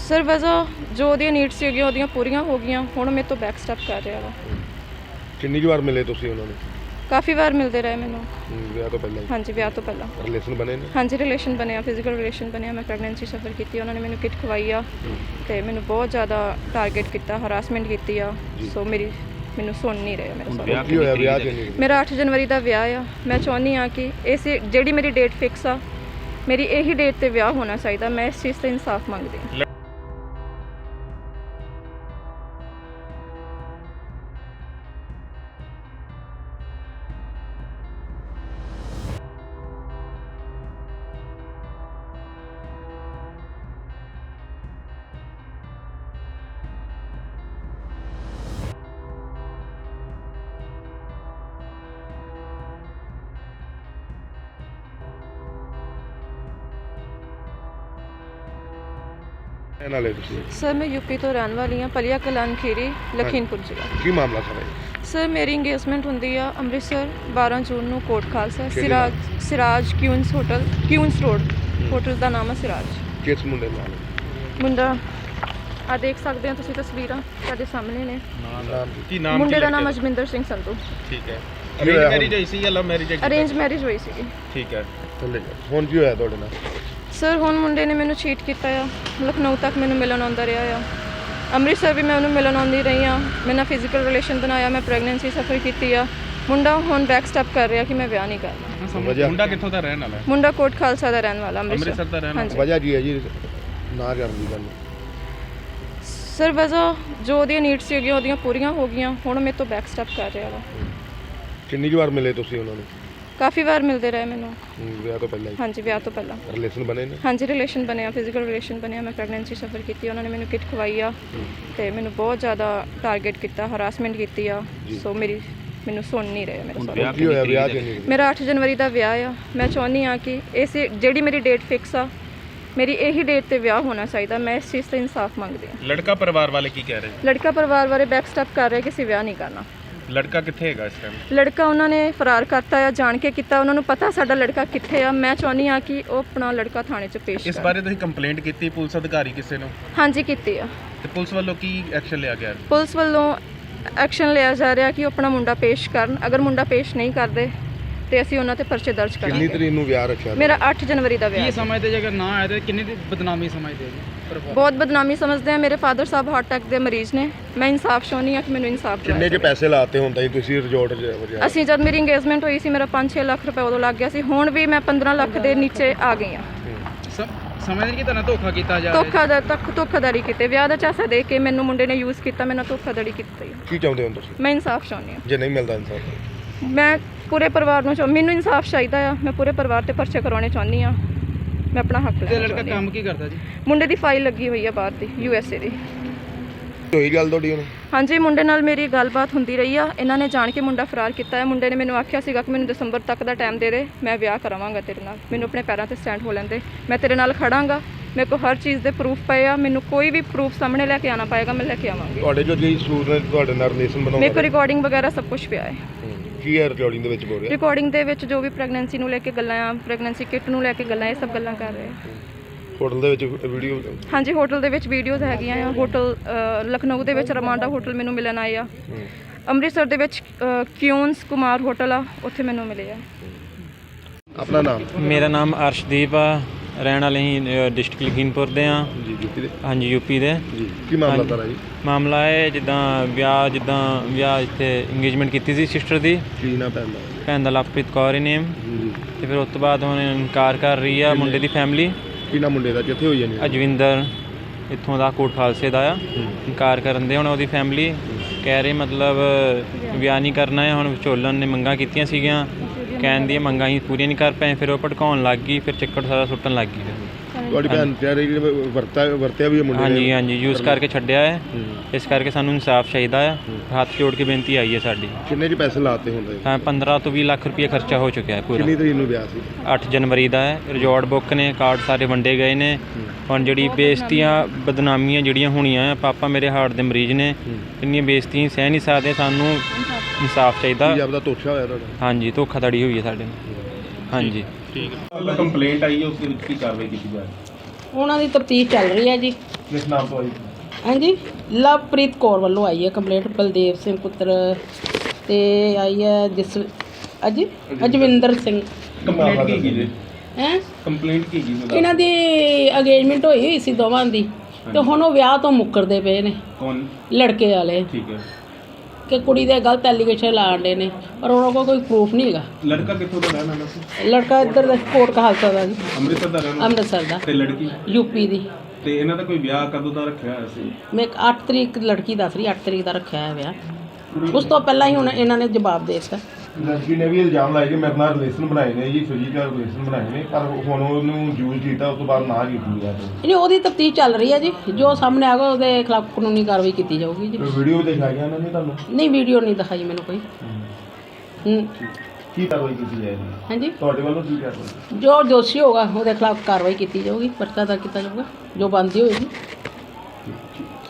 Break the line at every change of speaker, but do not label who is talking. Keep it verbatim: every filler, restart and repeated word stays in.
Sir ਵਜ੍ਹਾ ਜੋ ਉਹਦੀਆਂ ਨੀਡਸ ਸੀਗੀਆਂ ਉਹਦੀਆਂ ਪੂਰੀਆਂ ਹੋ ਗਈਆਂ। ਹੁਣ ਮੇਰੇ ਤੋਂ ਬੈਕ ਸਟੈਪ ਕਰ ਰਿਹਾ ਵਾ।
ਕਿੰਨੀ ਕੁ ਵਾਰ ਮਿਲੇ ਤੁਸੀਂ ਉਹਨਾਂ ਨੂੰ?
ਕਾਫੀ ਵਾਰ ਮਿਲਦੇ ਰਹੇ ਮੈਨੂੰ।
ਵਿਆਹ ਤੋਂ ਪਹਿਲਾਂ?
ਹਾਂਜੀ, ਵਿਆਹ ਤੋਂ ਪਹਿਲਾਂ
ਰਿਲੇਸ਼ਨ ਬਣੇ ਨੇ? ਹਾਂਜੀ,
ਰਿਲੇਸ਼ਨ ਬਣਿਆ, ਫਿਜ਼ੀਕਲ ਰਿਲੇਸ਼ਨ ਬਣਿਆ। ਮੈਂ ਪ੍ਰੈਗਨੈਂਸੀ ਸਫਰ ਕੀਤੀ, ਉਹਨਾਂ ਨੇ ਮੈਨੂੰ ਕਿਟ ਖਵਾਈ ਆ ਤੇ ਮੈਨੂੰ ਬਹੁਤ ਜ਼ਿਆਦਾ ਟਾਰਗੇਟ ਕੀਤਾ, ਹਰਾਸਮੈਂਟ ਕੀਤੀ ਆ। ਸੋ ਮੇਰੀ ਮੈਨੂੰ ਸੁਣ ਨਹੀਂ ਰਿਹਾ ਮੇਰਾ ਸਾਰਾ।
ਕੀ ਹੋਇਆ ਵਿਆਹ ਕਿੰਨੀ?
ਮੇਰਾ ਅੱਠ ਜਨਵਰੀ ਦਾ ਵਿਆਹ ਆ। ਮੈਂ ਚਾਹੁੰਦੀ ਹਾਂ ਕਿ ਇਸ ਜਿਹੜੀ ਮੇਰੀ ਡੇਟ ਫਿਕਸ ਆ, ਮੇਰੀ ਇਹੀ ਡੇਟ ਤੇ ਵਿਆਹ ਹੋਣਾ ਚਾਹੀਦਾ। ਮੈਂ ਇਸ ਚੀਜ਼ ਤੇ ਇਨਸਾਫ ਮੰਗਦੀ ਹਾਂ।
ਨਾਲੇ ਤੁਸੀਂ?
ਸਰ ਮੈਂ ਯੂਪੀ ਤੋਂ ਰਹਿਣ ਵਾਲੀ ਹਾਂ, ਪਲੀਆ ਕਲਾਨ ਖੀਰੀ, ਲਖੀਮਪੁਰ ਜ਼ਿਲ੍ਹਾ।
ਕੀ ਮਾਮਲਾ ਸਰ ਹੈ?
ਸਰ ਮੇਰੀ ਇੰਗੇਜਮੈਂਟ ਹੁੰਦੀ ਆ ਅੰਮ੍ਰਿਤਸਰ ਬਾਰਾਂ ਜੂਨ ਨੂੰ, Kot Khalsa, Siraj Siraj queens hotel, queens road hotel ਦਾ ਨਾਮ ਹੈ ਸਿਰਾਜ।
ਕਿਸ ਮੁੰਡੇ ਨਾਲ?
ਮੁੰਡਾ ਆ ਦੇਖ ਸਕਦੇ ਹੋ ਤੁਸੀਂ, ਤਸਵੀਰਾਂ ਤੁਹਾਡੇ ਸਾਹਮਣੇ ਨੇ।
ਨਾਮ
ਕੀ ਨਾਮ?
ਮੁੰਡੇ ਦਾ ਨਾਮ ਅਜਮਿੰਦਰ ਸਿੰਘ ਸੰਧੂ।
ਠੀਕ ਹੈ। ਅਰੇਂਜ ਮੈਰਿਜ ਹੋਈ ਸੀ ਜਾਂ ਲਵ ਮੈਰਿਜ?
ਅਰੇਂਜ ਮੈਰਿਜ ਹੋਈ ਸੀਗੀ।
ਠੀਕ ਹੈ।
ਹੁਣ ਕੀ ਹੋਇਆ ਤੁਹਾਡੇ ਨਾਲ?
ਸਰ ਹੁਣ ਮੁੰਡੇ ਨੇ ਮੈਨੂੰ ਚੀਟ ਕੀਤਾ ਆ। ਲਖਨਊ ਤੱਕ ਮੈਨੂੰ ਮਿਲਣ ਆਉਂਦਾ ਰਿਹਾ ਆ। ਅੰਮ੍ਰਿਤਸਰ ਵੀ ਮੈਂ ਉਹਨੂੰ ਮਿਲਣ ਆਉਂਦੀ ਰਹੀ ਹਾਂ। ਮੈਂ ਨਾਲ ਫਿਜ਼ੀਕਲ ਰਿਲੇਸ਼ਨ ਬਣਾਇਆ, ਮੈਂ ਪ੍ਰੈਗਨੈਂਸੀ ਸਫਰ ਕੀਤੀ ਆ। ਮੁੰਡਾ ਹੁਣ ਬੈਕ ਸਟੈਪ ਕਰ ਰਿਹਾ ਕਿ ਮੈਂ ਵਿਆਹ ਨਹੀਂ ਕਰਨਾ।
ਮੁੰਡਾ ਕਿੱਥੋਂ ਦਾ ਰਹਿਣ ਵਾਲਾ ਹੈ?
ਮੁੰਡਾ ਕੋਟ ਖਾਲਸਾ ਦਾ ਰਹਿਣ ਵਾਲਾ,
ਅੰਮ੍ਰਿਤਸਰ ਦਾ ਰਹਿਣ ਵਾਲਾ।
ਵਜ੍ਹਾ ਕੀ ਹੈ ਜੀ ਨਾ ਕਰਨ ਦੀ ਗੱਲ?
ਸਰ ਵਜ੍ਹਾ ਜੋ ਉਹਦੀਆਂ ਨੀਡਸ ਸੀਗੀਆਂ ਉਹਦੀਆਂ ਪੂਰੀਆਂ ਹੋ ਗਈਆਂ। ਹੁਣ ਮੇਰੇ ਤੋਂ ਬੈਕ ਸਟੈਪ ਕਰ ਰਿਹਾ ਵਾ।
ਕਿੰਨੀ ਕੁ ਵਾਰ ਮਿਲੇ ਤੁਸੀਂ ਉਹਨਾਂ ਨੂੰ?
ਕਾਫੀ ਵਾਰ ਮਿਲਦੇ ਰਹੇ ਮੈਨੂੰ।
ਵਿਆਹ ਤੋਂ ਪਹਿਲਾਂ?
ਹਾਂਜੀ, ਵਿਆਹ ਤੋਂ ਪਹਿਲਾਂ
ਰਿਲੇਸ਼ਨ ਬਣੇ ਨੇ?
ਹਾਂਜੀ, ਰਿਲੇਸ਼ਨ ਬਣਿਆ, ਫਿਜ਼ੀਕਲ ਰਿਲੇਸ਼ਨ ਬਣਿਆ। ਮੈਂ ਪ੍ਰੈਗਨੈਂਸੀ ਸਫਰ ਕੀਤੀ, ਉਹਨਾਂ ਨੇ ਮੈਨੂੰ ਕਿਟ ਖਵਾਈ ਆ ਤੇ ਮੈਨੂੰ ਬਹੁਤ ਜ਼ਿਆਦਾ ਟਾਰਗੇਟ ਕੀਤਾ, ਹਰਾਸਮੈਂਟ ਕੀਤੀ ਆ। ਸੋ ਮੇਰੀ ਮੈਨੂੰ ਸੁਣ ਨਹੀਂ ਰਿਹਾ ਮੇਰਾ ਸਾਰਾ।
ਕੀ ਹੋਇਆ ਵਿਆਹ ਕਿੰਨੀ?
ਮੇਰਾ ਅੱਠ ਜਨਵਰੀ ਦਾ ਵਿਆਹ ਆ। ਮੈਂ ਚਾਹੁੰਦੀ ਹਾਂ ਕਿ ਇਸ ਜਿਹੜੀ ਮੇਰੀ ਡੇਟ ਫਿਕਸ ਆ, ਮੇਰੀ ਇਹੀ ਡੇਟ ਤੇ ਵਿਆਹ ਹੋਣਾ ਚਾਹੀਦਾ। ਮੈਂ ਇਸ ਚੀਜ਼ ਤੇ ਇਨਸਾਫ ਮੰਗਦੀ ਹਾਂ।
ਲੜਕਾ ਪਰਿਵਾਰ ਵਾਲੇ ਕੀ ਕਹਿ ਰਹੇ?
ਲੜਕਾ ਪਰਿਵਾਰ ਬਾਰੇ ਬੈਕ ਸਟੈਪ ਕਰ ਰਿਹਾ ਕਿ ਅਸੀਂ ਵਿਆਹ ਨਹੀਂ ਕਰਨਾ।
ਲੜਕਾ ਕਿੱਥੇ ਹੈਗਾ ਇਸ ਟਾਈਮ?
ਲੜਕਾ ਉਹਨਾਂ ਨੇ ਫਰਾਰ ਕਰਤਾ ਆ, ਜਾਣ ਕੇ ਕੀਤਾ। ਉਹਨਾਂ ਨੂੰ ਪਤਾ ਸਾਡਾ ਲੜਕਾ ਕਿੱਥੇ ਆ। ਮੈਂ ਚਾਹੁੰਦੀ ਹਾਂ ਕਿ ਉਹ ਆਪਣਾ ਲੜਕਾ ਥਾਣੇ 'ਚ ਪੇਸ਼
ਇਸ ਬਾਰੇ ਤੁਸੀਂ ਕੰਪਲੇਂਟ ਕੀਤੀ ਪੁਲਿਸ ਅਧਿਕਾਰੀ ਕਿਸੇ ਨੂੰ?
ਹਾਂਜੀ ਕੀਤੀ ਆ।
ਤੇ ਪੁਲਿਸ ਵੱਲੋਂ ਕੀ ਐਕਸ਼ਨ ਲਿਆ ਗਿਆ?
ਪੁਲਿਸ ਵੱਲੋਂ ਐਕਸ਼ਨ ਲਿਆ ਜਾ ਰਿਹਾ ਕਿ ਉਹ ਆਪਣਾ ਮੁੰਡਾ ਪੇਸ਼ ਕਰਨ। ਅਗਰ ਮੁੰਡਾ ਪੇਸ਼ ਨਹੀਂ ਕਰਦੇ ਤੇ ਅਸੀਂ ਉਹਨਾਂ ਤੇ ਪਰਚੇ ਦਰਜ ਕਰਾਂਗੇ।
ਕਿੰਨੀ ਤਰੀਕ ਨੂੰ ਵਿਆਹ ਰੱਖਿਆ?
ਮੇਰਾ ਅੱਠ ਜਨਵਰੀ ਦਾ ਵਿਆਹ।
ਕੀ ਸਮਝਦੇ ਜੇ ਅਗਰ ਨਾ ਆਏ ਤਾਂ ਕਿੰਨੀ ਦੀ ਬਦਨਾਮੀ ਸਮਝਦੇ ਜੀ?
ਬਹੁਤ ਬਦਨਾਮੀ ਸਮਝਦੇ ਆ। ਮੇਰੇ ਫਾਦਰ ਸਾਹਿਬ ਹਾਰਟ ਅਟੈਕ ਦੇ ਮਰੀਜ਼ ਨੇ। ਮੈਂ ਇਨਸਾਫ ਚਾਹੁੰਦੀ ਹਾਂ ਕਿ ਮੈਨੂੰ ਇਨਸਾਫ
ਕਿੰਨੇ ਚ ਪੈਸੇ ਲਾਤੇ ਹੁੰਦਾ ਜੀ ਤੁਸੀਂ ਰਿਜ਼ੋਰਟ 'ਚ?
ਅਸੀਂ ਜਦ ਮੇਰੀ ਇੰਗੇਜਮੈਂਟ ਹੋਈ ਸੀ ਮੇਰਾ ਪੰਜ ਛੇ ਲੱਖ ਰੁਪਏ ਉਦੋਂ ਲੱਗ ਗਿਆ ਸੀ। ਹੁਣ ਵੀ ਮੈਂ ਪੰਦਰਾਂ ਲੱਖ ਦੇ ਨੀਚੇ ਆ ਗਈ ਹਾਂ।
ਸਮਝਦੇ ਕਿ ਤੁਹਾਨੂੰ ਧੋਖਾ ਕੀਤਾ ਜਾ ਰਿਹਾ?
ਧੋਖਾ ਦਾ ਤੱਕ ਧੋਖਾਧੜੀ ਕੀਤੀ। ਵਿਆਹ ਦਾ ਚਾਸਾ ਦੇ ਕੇ ਮੈਨੂੰ ਮੁੰਡੇ ਨੇ ਯੂਜ਼ ਕੀਤਾ, ਮੈਨੂੰ ਧੋਖਾਧੜੀ ਕੀਤੀ।
ਕੀ ਚਾਹੁੰਦੇ ਹੋ ਤੁਸੀਂ?
ਮੈਂ ਇਨਸਾਫ ਚਾਹੁੰਦੀ ਹਾਂ।
ਜੇ ਨਹੀਂ ਮਿਲਦਾ ਇਨਸਾਫ?
ਮੈਂ ਪੂਰੇ ਪਰਿਵਾਰ ਨੂੰ ਚਾਹ ਮੈਨੂੰ ਇਨਸਾਫ ਚਾਹੀਦਾ ਆ। ਮੈਂ ਪੂਰੇ ਪਰਿਵਾਰ ਤੇ ਪਰਚੇ ਕਰਾਉਣੇ ਚਾਹੁੰਦੀ ਹਾਂ। ਮੈਂ ਆਪਣਾ ਹੱਕ ਲੈਣਾ।
ਤੇ ਲੜਕਾ ਕੰਮ ਕੀ ਕਰਦਾ ਜੀ?
ਮੁੰਡੇ ਦੀ ਫਾਈਲ ਲੱਗੀ ਹੋਈ ਆ ਬਾਹਰ ਦੀ, ਯੂ ਐਸ ਏ ਦੀ।
ਹੋਈ ਗੱਲ ਤੁਹਾਡੀ ਹੁਣ? ਹਾਂਜੀ,
ਮੁੰਡੇ ਨਾਲ ਮੇਰੀ ਗੱਲਬਾਤ ਹੁੰਦੀ ਰਹੀ ਆ। ਇਹਨਾਂ ਨੇ ਜਾਣ ਕੇ ਮੁੰਡਾ ਫਰਾਰ ਕੀਤਾ ਹੈ। ਮੁੰਡੇ ਨੇ ਮੈਨੂੰ ਆਖਿਆ ਸੀਗਾ ਕਿ ਮੈਨੂੰ ਦਸੰਬਰ ਤੱਕ ਦਾ ਟਾਈਮ ਦੇ ਦੇ, ਮੈਂ ਵਿਆਹ ਕਰਾਵਾਂਗਾ ਤੇਰੇ ਨਾਲ। ਮੈਨੂੰ ਆਪਣੇ ਪੈਰਾਂ ਤੇ ਸਟੈਂਡ ਹੋ ਲੈਂਦੇ, ਮੈਂ ਤੇਰੇ ਨਾਲ ਖੜਾਂਗਾ। ਮੇਰੇ ਕੋਲ ਹਰ ਚੀਜ਼ ਦੇ ਪ੍ਰੂਫ ਪਏ ਆ। ਮੈਨੂੰ ਕੋਈ ਵੀ ਪ੍ਰੂਫ ਸਾਹਮਣੇ ਲੈ ਕੇ ਆਉਣਾ ਪਏਗਾ, ਮੈਂ ਲੈ ਕੇ ਆਵਾਂਗੀ।
ਤੁਹਾਡੇ ਜੋ ਜੀ ਸੂਰ ਨੇ ਤੁਹਾਡੇ ਨਾਲ ਰਿਲੇਸ਼ਨ ਬਣਾਉਂਦੇ?
ਮੇਰੇ ਕੋਲ ਰਿਕਾਰਡਿੰਗ ਵਗੈਰਾ ਸਭ ਕੁਝ ਪਿਆ ਹੈ।
ਕੀ ਹੈ ਰਿਕਾਰਡਿੰਗ ਦੇ ਵਿੱਚ ਬੋਲ ਰਿਹਾ?
ਰਿਕਾਰਡਿੰਗ ਦੇ ਵਿੱਚ ਜੋ ਵੀ ਪ੍ਰੈਗਨੈਂਸੀ ਨੂੰ ਲੈ ਕੇ ਗੱਲਾਂ ਆ, ਪ੍ਰੈਗਨੈਂਸੀ ਕਿਟ ਨੂੰ ਲੈ ਕੇ ਗੱਲਾਂ, ਇਹ ਸਭ ਗੱਲਾਂ ਕਰ ਰਹੇ ਆ।
ਹੋਟਲ ਦੇ ਵਿੱਚ ਵੀਡੀਓ? ਹਾਂਜੀ,
ਹੋਟਲ ਦੇ ਵਿੱਚ ਵੀਡੀਓਜ਼ ਹੈਗੀਆਂ ਆ। ਹੋਟਲ ਲਖਨਊ ਦੇ ਵਿੱਚ ਰਮਾਂਡਾ ਹੋਟਲ ਮੈਨੂੰ ਮਿਲਣ ਆਏ ਆ। ਅੰਮ੍ਰਿਤਸਰ ਦੇ ਵਿੱਚ ਕਿਊਨਸ ਕੁਮਾਰ ਹੋਟਲ ਆ, ਉੱਥੇ ਮੈਨੂੰ ਮਿਲੇ ਆ।
ਆਪਣਾ ਨਾਮ?
ਮੇਰਾ ਨਾਮ ਅਰਸ਼ਦੀਪ ਆ, ਰਹਿਣ ਵਾਲੇ ਹੀ ਡਿਸਟ੍ਰਿਕਟ ਲਖੀਮਪੁਰ ਦੇ ਆ
ਜੀ। ਯੂਪੀ ਦੇ?
ਹਾਂਜੀ, ਯੂਪੀ ਦੇ
ਜੀ। ਕੀ ਮਾਮਲਾ ਤਾਰਾ ਜੀ?
ਮਾਮਲਾ ਹੈ ਜਿੱਦਾਂ ਵਿਆਹ ਜਿੱਦਾਂ ਵਿਆਹ ਇੱਥੇ ਇੰਗੇਜਮੈਂਟ ਕੀਤੀ ਸੀ ਸਿਸਟਰ ਦੀ।
ਕੀ ਨਾ ਪੈਂਦਾ?
ਭੈਣ ਦਾ ਲਵਪ੍ਰੀਤ ਕੌਰ ਹੀ ਨੇਮ।
ਜੀ।
ਤੇ ਫਿਰ ਉਸ ਤੋਂ ਬਾਅਦ ਹੁਣ ਇਨਕਾਰ ਕਰ ਰਹੀ ਆ ਮੁੰਡੇ ਦੀ ਫੈਮਿਲੀ।
ਕੀ ਨਾ ਮੁੰਡੇ ਦਾ ਕਿੱਥੇ ਹੋਈ ਜਾਨੀ?
ਅਜਵਿੰਦਰ ਇੱਥੋਂ ਦਾ ਕੋਟ ਖਾਲਸੇ ਦਾ ਆ। ਇਨਕਾਰ ਕਰਨ ਦੇ ਹੁਣ ਉਹਦੀ ਫੈਮਿਲੀ ਕਹਿ ਰਹੀ ਮਤਲਬ ਵਿਆਹ ਨਹੀਂ ਕਰਨਾ ਹੈ। ਹੁਣ ਵਿਚੋਲਨ ਨੇ ਮੰਗਾਂ ਕੀਤੀਆਂ ਸੀਗੀਆਂ, ਕਹਿਣ ਦੀਆਂ ਮੰਗਾਂ ਹੀ ਪੂਰੀਆਂ ਨਹੀਂ ਕਰ ਪਏ। ਫਿਰ ਉਹ ਭੜਕਾਉਣ ਲੱਗ ਗਈ, ਫਿਰ ਚੱਕਰ ਸਾਰਾ ਸੁੱਟਣ ਲੱਗ ਗਈ।
ਤੁਹਾਡੀ ਭੈਣ ਕਹਿ ਰਹੀ ਵਰਤਾ ਵਰਤਿਆ ਵੀ ਮੁੰਡੇ ਨੇ?
ਹਾਂਜੀ ਹਾਂਜੀ, ਯੂਜ਼ ਕਰਕੇ ਛੱਡਿਆ ਹੈ। ਇਸ ਕਰਕੇ ਸਾਨੂੰ ਇਨਸਾਫ ਚਾਹੀਦਾ ਆ। ਹੱਥ ਜੋੜ ਕੇ ਬੇਨਤੀ ਆਈ ਹੈ ਸਾਡੀ।
ਕਿੰਨੇ ਚ ਪੈਸੇ ਲਾਤੇ ਹੁੰਦੇ?
ਤਾਂ ਪੰਦਰਾਂ ਤੋਂ ਵੀਹ ਲੱਖ ਰੁਪਏ ਖਰਚਾ ਹੋ ਚੁੱਕਿਆ ਹੈ ਪੂਰਾ।
ਕਿੰਨੀ ਤਰੀਕ ਨੂੰ ਵਿਆਹ ਸੀ?
ਅੱਠ ਜਨਵਰੀ ਦਾ ਹੈ। ਰਿਜ਼ੋਰਟ ਬੁੱਕ ਨੇ, ਕਾਰਡ ਸਾਰੇ ਵੰਡੇ ਗਏ ਨੇ। ਹੁਣ ਜਿਹੜੀ ਬੇਇੱਜ਼ਤੀਆਂ ਬਦਨਾਮੀਆਂ ਜਿਹੜੀਆਂ ਹੋਣੀਆਂ ਆ, ਪਾਪਾ ਮੇਰੇ ਹਾਰਟ ਦੇ ਮਰੀਜ਼ ਨੇ, ਇੰਨੀਆਂ ਬੇਇੱਜ਼ਤੀਆਂ ਸਹਿ ਨਹੀਂ ਸਕਦੇ। ਸਾਨੂੰ ਇਨਸਾਫ ਚਾਹੀਦਾ।
ਕੀ ਆਪਦਾ ਧੋਖਾ ਹੋਇਆ ਤੁਹਾਡਾ? ਹਾਂਜੀ,
ਧੋਖਾਧੜੀ ਹੋਈ ਹੈ ਸਾਡੇ ਨਾਲ। ਹਾਂਜੀ
ਠੀਕ ਹੈ। ਕੰਪਲੇਂਟ ਆਈ ਹੈ, ਉਸ ਦੇ ਵਿੱਚ ਕੀ ਕਾਰਵਾਈ ਕੀਤੀ ਜਾ ਰਹੀ ਹੈ?
ਉਹਨਾਂ ਦੀ ਤਫਤੀਸ਼ ਚੱਲ ਰਹੀ ਹੈ ਜੀ।
ਕਿਸ ਨਾਮ ਤੋਂ ਆਈ?
ਹਾਂਜੀ ਲਵਪ੍ਰੀਤ ਕੌਰ ਵੱਲੋਂ ਆਈ ਹੈ ਕੰਪਲੇਂਟ ਬਲਦੇਵ ਸਿੰਘ ਪੁੱਤਰ ਤੇ ਆਈ ਹੈ ਜਿਸ ਅਜ ਅਜਵਿੰਦਰ ਸਿੰਘ
ਕੰਪਲੇਂਟ ਕੀ ਕੀ ਜੀ?
ਹੈ
ਕੰਪਲੇਂਟ ਕੀ ਕੀ?
ਇਹਨਾਂ ਦੀ ਅਗੇਜਮੈਂਟ ਹੋਈ ਹੋਈ ਸੀ ਦੋਵਾਂ ਦੀ ਤੇ ਹੁਣ ਉਹ ਵਿਆਹ ਤੋਂ ਮੁੱਕਰਦੇ ਪਏ ਨੇ
ਕੌਣ?
ਲੜਕੇ ਵਾਲੇ
ਠੀਕ ਹੈ।
ਕਿ ਕੁੜੀ ਦੇ ਗਲਤ ਐਲੀਗੇਸ਼ਨ ਲਾਣ ਦੇ ਨੇ ਪਰ ਉਹਨਾਂ ਕੋਲ ਕੋਈ ਪ੍ਰੂਫ ਨਹੀਂ ਹੈਗਾ।
ਲੜਕਾ ਕਿੱਥੋਂ ਦਾ ਰਹਿਣ ਵਾਲਾ ਸੀ?
ਲੜਕਾ ਇੱਧਰ ਦਾ ਕੋਟ ਕਹਾਲਸਾ ਦਾ ਜੀ,
ਅੰਮ੍ਰਿਤਸਰ ਦਾ ਰਹਿਣ ਵਾਲਾ
ਅੰਮ੍ਰਿਤਸਰ ਦਾ,
ਤੇ ਲੜਕੀ?
ਯੂਪੀ ਦੀ।
ਤੇ ਇਹਨਾਂ ਦਾ ਕੋਈ ਵਿਆਹ ਕਦੋਂ ਦਾ ਰੱਖਿਆ ਹੋਇਆ ਸੀ?
ਮੈਂ ਅੱਠ ਤਰੀਕ ਲੜਕੀ ਦੱਸ ਰਹੀ ਅੱਠ ਤਰੀਕ ਦਾ ਰੱਖਿਆ ਹੈ ਵਿਆਹ। ਉਸ ਤੋਂ ਪਹਿਲਾਂ ਹੀ ਹੁਣ ਇਹਨਾਂ ਨੇ ਜਵਾਬ ਦੇ ਦਿੱਤਾ।
ਲੜਕੀ ਨੇ ਵੀ ਇਲਜ਼ਾਮ ਲਾਇਆ ਕਿ ਮੇਰੇ ਨਾਲ ਰਿਲੇਸ਼ਨ ਬਣਾਏ ਨੇ ਜੀ, ਫਿਜ਼ੀਕਲ ਰਿਲੇਸ਼ਨ ਬਣਾਏ ਨੇ, ਪਰ ਹੁਣ ਉਹਨੂੰ ਯੂਜ਼ ਕੀਤਾ, ਉਸ ਤੋਂ ਬਾਅਦ ਨਾ ਕੀਤੀ ਗਿਆ।
ਨਹੀਂ ਉਹਦੀ ਤਫਤੀਸ਼ ਚੱਲ ਰਹੀ ਹੈ ਜੀ, ਜੋ ਸਾਹਮਣੇ ਆਗਾ ਉਹਦੇ ਖਿਲਾਫ ਕਾਨੂੰਨੀ ਕਾਰਵਾਈ ਕੀਤੀ ਜਾਊਗੀ ਜੀ।
ਵੀਡੀਓ ਦਿਖਾਇਆ ਗਿਆ ਉਹਨਾਂ ਨੇ ਤੁਹਾਨੂੰ?
ਨਹੀਂ ਵੀਡੀਓ ਨਹੀਂ ਦਿਖਾਈ ਮੈਨੂੰ ਕੋਈ। ਹੂੰ
ਕੀ ਕਾਰਵਾਈ ਕੀਤੀ ਜਾਏਗੀ
ਹਾਂਜੀ
ਤੁਹਾਡੇ ਵੱਲੋਂ? ਕੀ ਕਾਰਵਾਈ?
ਜੋ ਦੋਸ਼ੀ ਹੋਗਾ ਉਹਦੇ ਖਿਲਾਫ ਕਾਰਵਾਈ ਕੀਤੀ ਜਾਊਗੀ, ਪਰਚਾ ਦਰਜ ਕੀਤਾ ਜਾਊਗਾ, ਜੋ ਬਣਦੀ ਹੋਏਗੀ।